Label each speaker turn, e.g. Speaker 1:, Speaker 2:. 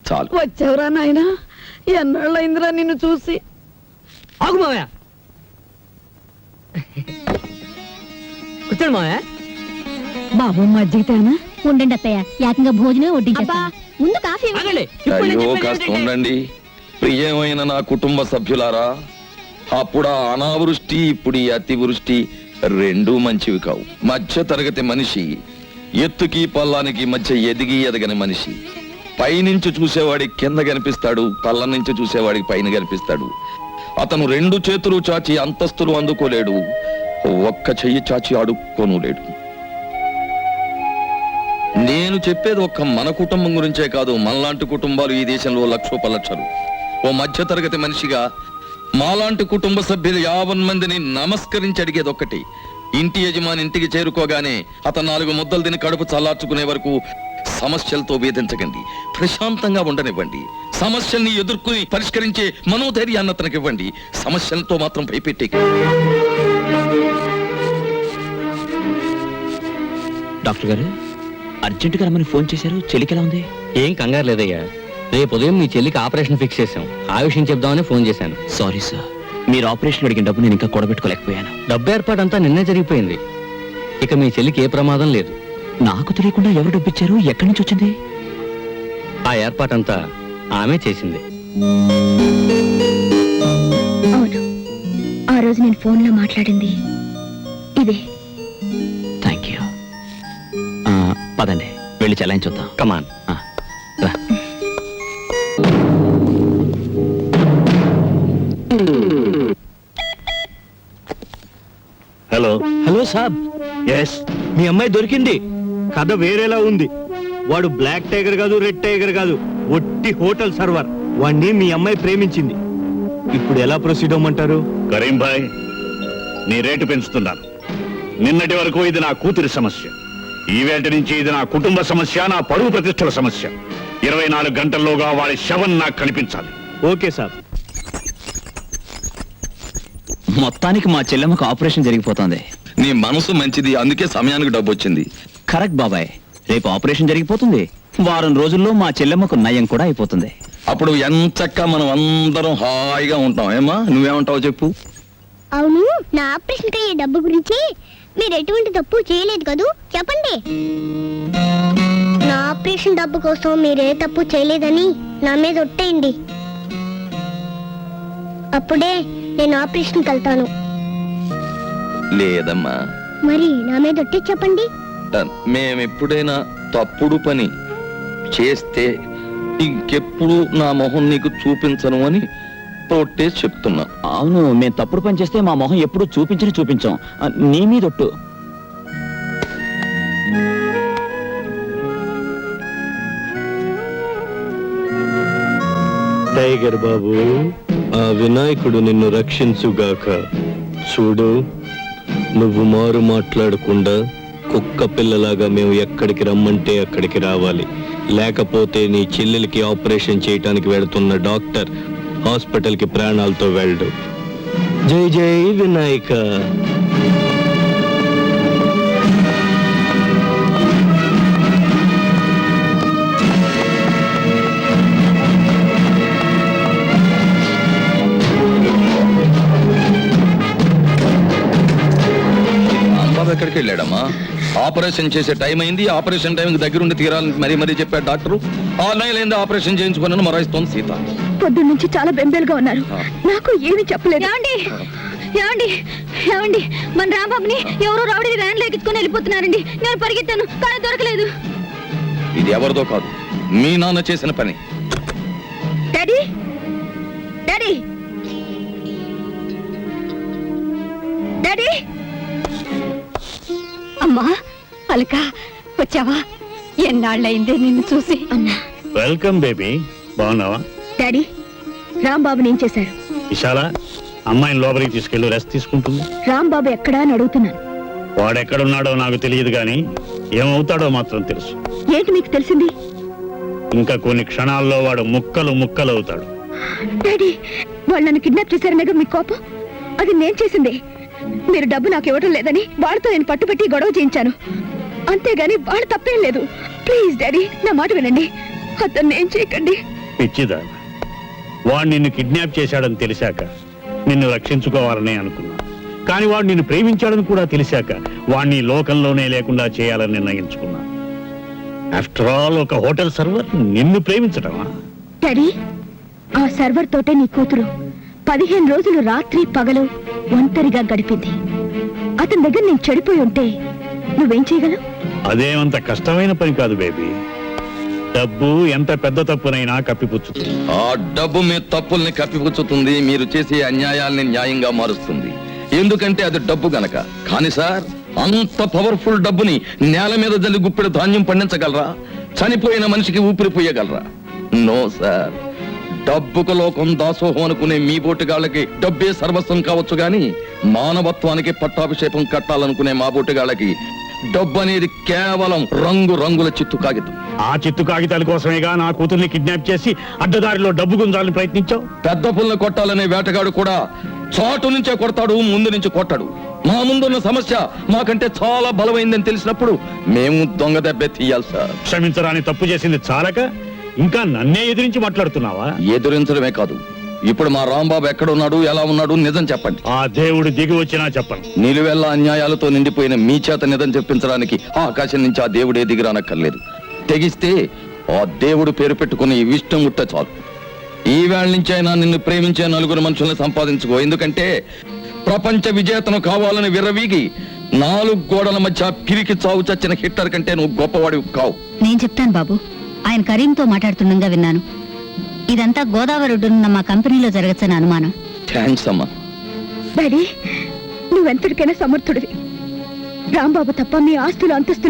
Speaker 1: చాలు.
Speaker 2: వచ్చావురా నాయనా, ఎన్నాళ్ళైందిరా నిన్ను చూసి.
Speaker 3: ఆగు మావయ్య, కూర్చోండి మావయ్య.
Speaker 2: బాబు మజ్జిగ తేనా?
Speaker 4: ఉండండి అత్తయ్య, ఏకంగా భోజనం వడ్డించేస్తా. ముందు కాఫీ.
Speaker 3: ఆగండి, ఇప్పుడు నేను
Speaker 1: అయ్యో
Speaker 3: చెప్పేది
Speaker 1: కాస్త
Speaker 3: ఏంటంటే-
Speaker 1: ఉండండి. ప్రియమైన నా కుటుంబ సభ్యులారా, అప్పుడు ఆ అనావృష్టి, ఇప్పుడు ఈ అతివృష్టి రెండూ మంచివి కావు. మధ్య తరగతి మనిషి ఎత్తుకి పల్లానికి మధ్య ఎదిగి ఎదగని మనిషి. పైనుంచి చూసేవాడికి కింద కనిపిస్తాడు, పల్ల నుంచి చూసేవాడికి పైన కనిపిస్తాడు. అతను రెండు చేతులు చాచి అంతస్తులు అందుకోలేడు, ఒక్క చెయ్యి చాచి అడుక్కోను లేడు. నేను చెప్పేది ఒక్క మన కుటుంబం గురించే కాదు, మనలాంటి కుటుంబాలు ఈ దేశంలో లక్షోపలక్షలు. ఓ మధ్య తరగతి మనిషిగా మాలాంటి కుటుంబ సభ్యులు 50 మందిని నమస్కరించి అడిగేది ఒక్కటి: ఇంటి యజమాని ఇంటికి చేరుకోగానే అతను 4 ముద్దలు తిని కడుపు చల్లార్చుకునే వరకు సమస్యలతో వేధించకండి, ప్రశాంతంగా ఉండనివ్వండి. సమస్యల్ని ఎదుర్కొని పరిష్కరించే మనోధైర్యాన్ని అతనికి ఇవ్వండి, సమస్యలతో మాత్రం భయపెట్టే.
Speaker 5: డాక్టర్ గారు అర్జెంటుగా రమ్మని ఫోన్ చేశారు. చెల్లికి ఎలా ఉంది?
Speaker 3: ఏం కంగారు లేదయ్యా, రేపు ఉదయం మీ చెల్లికి ఆపరేషన్ ఫిక్స్ చేశాం. ఆ విషయం చెప్దామని ఫోన్ చేశాను.
Speaker 5: సారీ సార్, మీరు ఆపరేషన్ అడిగిన డబ్బు నేను ఇంకా కూడబెట్టుకోలేకపోయాను.
Speaker 3: డబ్బు ఏర్పాటు అంతా నిన్నే జరిగిపోయింది. ఇక మీ చెల్లికి ఏ ప్రమాదం లేదు.
Speaker 5: నాకు తెలియకుండా ఎవరు డబ్బు ఇచ్చారు? ఎక్కడి నుంచి వచ్చింది?
Speaker 3: ఆ ఏర్పాటంతా ఆమె చేసింది.
Speaker 4: అవును, ఆ రోజు నేను ఫోన్లో మాట్లాడింది ఇదే.
Speaker 5: Thank you. పదండి, వెళ్ళి చెలాయించొద్దాం.
Speaker 3: కమాన్.
Speaker 5: రా.
Speaker 6: హలో
Speaker 5: హలో సాబ్.
Speaker 6: ఎస్, మీ అమ్మాయి దొరికింది. కథ వేరేలా ఉంది. వాడు బ్లాక్ టైగర్ కాదు, రెడ్ టైగర్ కాదు, ఒట్టి హోటల్ సర్వర్. వాణ్ణి మీ అమ్మాయి ప్రేమించింది. ఇప్పుడు ఎలా ప్రొసీడ్ అవ్వమంటారు?
Speaker 7: కరీం భాయ్, నీ రేటు పెంచుతున్నాను. నిన్నటి వరకు ఇది నా కూతురి సమస్య, ఈవేళ నుంచి ఇది నా కుటుంబ సమస్య, నా పరువు ప్రతిష్టల సమస్య. 24 గంటల్లోగా వాడి శవం నాకు కనిపించాలి.
Speaker 6: Okay sir.
Speaker 5: మొత్తానికి మా చెల్లెమ్మకు ఆపరేషన్ జరిగిపోతుంది.
Speaker 1: నీ మనసు మంచిది, అందుకే సమయానికి డబ్బు వచ్చింది.
Speaker 5: కరెక్ట్ బాబాయ్, రేపు ఆపరేషన్ జరిగిపోతుంది. వారం రోజుల్లో మా చెల్లెమ్మకు నయం కూడా అయిపోతుంది.
Speaker 1: అప్పుడు ఎంచక్క మనం అందరం హాయిగా ఉంటాం. ఏమా, నువ్వేమంటావు చెప్పు?
Speaker 4: అవును, నా ఆపరేషన్ కి డబ్బు గురించి మీరు ఎటువంటి తప్పు చేయలేదు కదూ, చెప్పండి. నా ఆపరేషన్ డబ్బు కోసం మీరే తప్పు చేయలేదని నా మీద ఒట్టేయండి. అప్పుడే నేను ఆపరేషన్కి వెళ్తాను.
Speaker 1: లేదమ్మా,
Speaker 4: మరి నా మీద ఒట్టి చెప్పండి.
Speaker 1: మేమెప్పుడైనా తప్పుడు పని చేస్తే ఇంకెప్పుడు నా మొహం నీకు చూపించను అని తోటేసి చెప్తున్నా.
Speaker 5: అవును, మేము తప్పుడు పని చేస్తే మా మొహం ఎప్పుడు చూపించాం. నీ మీదొట్టు.
Speaker 6: టైగర్ బాబు, ఆ వినాయకుడు నిన్ను రక్షించుగాక. చూడు, నువ్వు మారు మాట్లాడకుండా కుక్క పిల్లలాగా మేము ఎక్కడికి రమ్మంటే అక్కడికి రావాలి. లేకపోతే నీ చెల్లెలికి ఆపరేషన్ చేయటానికి వెళుతున్న డాక్టర్ హాస్పిటల్కి ప్రాణాలతో వెళ్ళడు. జై జై వినాయక.
Speaker 1: బాబు ఎక్కడికి వెళ్ళాడమ్మా? ఆపరేషన్ చేసే టైం అయింది, ఆపరేషన్ టైంకి దగ్గరుండి తీరాలని మరీ చెప్పాడు డాక్టరు. 6 నెలలైంది ఆపరేషన్ చేయించుకున్నాను మొరాయిస్తోంది సీత.
Speaker 4: పొద్దున్న నుంచి చాలా బెంబేలుగా ఉన్నారు, నాకు ఏమీ చెప్పలేదు. ఏమండి, మన రాంబాబుని ఎవరో రౌడీ వ్యాన్ ఎక్కించుకొని వెళ్ళిపోతున్నారండి. నేను పరిగెత్తాను కానీ దొరకలేదు.
Speaker 1: ఇది ఎవరిదో కాదు, మీ నాన్న చేసిన పని.
Speaker 4: Daddy, daddy, daddy.
Speaker 2: అమ్మా అలక, వచ్చావా? ఎన్నాళ్ళయిందే నిన్ను చూసి.
Speaker 4: అన్నా.
Speaker 7: వెల్కమ్ బేబీ, బాగున్నావా?
Speaker 4: డాడీ, రాంబాబుని ఏం చేశారు?
Speaker 7: విశాల, అమ్మాయిని లోపలికి తీసుకెళ్లి రెస్ట్ తీసుకుంటుంది.
Speaker 4: రాంబాబు ఎక్కడా అని అడుగుతున్నాను.
Speaker 7: వాడెక్కడున్నాడో నాకు తెలియదు గాని ఏమవుతాడో మాత్రం తెలుసు.
Speaker 4: ఏంటి మీకు తెలిసింది?
Speaker 7: ఇంకా కొన్ని క్షణాల్లో వాడు ముక్కలు ముక్కలు అవుతాడు.
Speaker 4: డాడీ, వాళ్ళు నన్ను కిడ్నాప్ చేశారనేగా మీ కోపం? అది నేను చేసింది. మీరు డబ్బు నాకు ఇవ్వడం లేదని వాళ్ళతో నేను పట్టుబట్టి గొడవ చేయించాను, అంతేగాని వాళ్ళు తప్పేం లేదు. ప్లీజ్ డాడీ, నా మాట వినండి. అతన్ని ఏం చేయకండి.
Speaker 7: పిచ్చిదా వాడు నిన్ను కిడ్నాప్ చేశాడని తెలిసాక నిన్ను రక్షించుకోవాలని అనుకున్నా కానీ వాడు నిన్ను ప్రేమించాడని కూడా తెలిసాక వాడిని ఈ లోకంలోనే లేకుండా చేయాలని నిర్ణయించుకున్నా ఆఫ్టర్ ఆల్ ఒక హోటల్ సర్వర్ నిన్ను ప్రేమించడమా?
Speaker 2: డాడీ ఆ సర్వర్ తోటే నీ కూతురు 15 రోజులు రాత్రి పగలు ఒంటరిగా గడిపింది. అతని దగ్గర నేను చెడిపోయి ఉంటే నువ్వేం చేయగలవు?
Speaker 7: అదేమంత కష్టమైన పని కాదు బేబీ. డబ్బు ఎంత పెద్ద తప్పునైనా కప్పిపుచ్చుతుంది.
Speaker 1: ఆ డబ్బు మీ తప్పుల్ని కప్పిపుచ్చుతుంది, మీరు చేసే అన్యాయాల్ని న్యాయంగా మారుస్తుంది. ఎందుకంటే అది డబ్బు గనక. కానీ సార్, అంత పవర్ఫుల్ డబ్బుని నేల మీద జల్లి గుప్పెడు ధాన్యం పండించగలరా? చనిపోయిన మనిషికి ఊపిరి పోయగలరా? No sir. డబ్బుకు లోకం దాసోహం అనుకునే మీ బోటుగాళ్ళకి డబ్బే సర్వస్వం కావచ్చు గాని మానవత్వానికి పట్టాభిషేకం కట్టాలనుకునే మా బోటుగాళ్ళకి డబ్బు అనేది కేవలం రంగుల చిత్తు కాగితం.
Speaker 7: ఆ చిత్తు కాగితాల కోసమేగా నా కూతుర్ని కిడ్నాప్ చేసి అడ్డదారిలో డబ్బు గుంజాలని ప్రయత్నించావు.
Speaker 1: పెద్ద పుల్ని కొట్టాలనే వేటగాడు కూడా చాటు నుంచే కొడతాడు, ముందు నుంచి కొట్టాడు. మా ముందున్న సమస్య మాకంటే చాలా బలమైందని తెలిసినప్పుడు మేము దొంగ దెబ్బే తీయాలి సార్.
Speaker 7: క్షమించరాని తప్పు చేసింది చాలక ఇంకా నన్నే ఎదిరించి మాట్లాడుతున్నావా?
Speaker 1: ఎదురించడమే కాదు, ఇప్పుడు మా రాంబాబు ఎక్కడున్నాడు, ఎలా ఉన్నాడు నిజం చెప్పండి.
Speaker 7: ఆ దేవుడు దిగి వచ్చినా చెప్పను.
Speaker 1: నిలువెల్ల అన్యాయాలతో నిండిపోయిన మీ చేత నిజం చెప్పించడానికి ఆకాశం నుంచి ఆ దేవుడే దిగిరానక్కర్లేదు. తెగిస్తే ఆ దేవుడు పేరు పెట్టుకుని ఇష్టం ముట్ట చాలు. ఈ వేళ నుంచైనా నిన్ను ప్రేమించే 4 మనుషుల్ని సంపాదించుకో. ఎందుకంటే ప్రపంచ విజేతను కావాలని విర్రవీగి 4 గోడల మధ్య పిరికి చావు చచ్చిన హిట్లర్ కంటే నువ్వు గొప్పవాడివి కావు.
Speaker 8: నేను చెప్తాను బాబు. ఆయన కరీంతో మాట్లాడుతుండగా విన్నాను. ఇదంతా గోదావరి ఒడ్డునున్న మా కంపెనీలో జరగచ్చని అనుమానం.
Speaker 1: థ్యాంక్స్ అమ్మా.
Speaker 2: డాడీ నువ్వెంతటికైనా సమర్థుడివి. రాంబాబు తప్ప మీ ఆస్తులు అంతస్తులు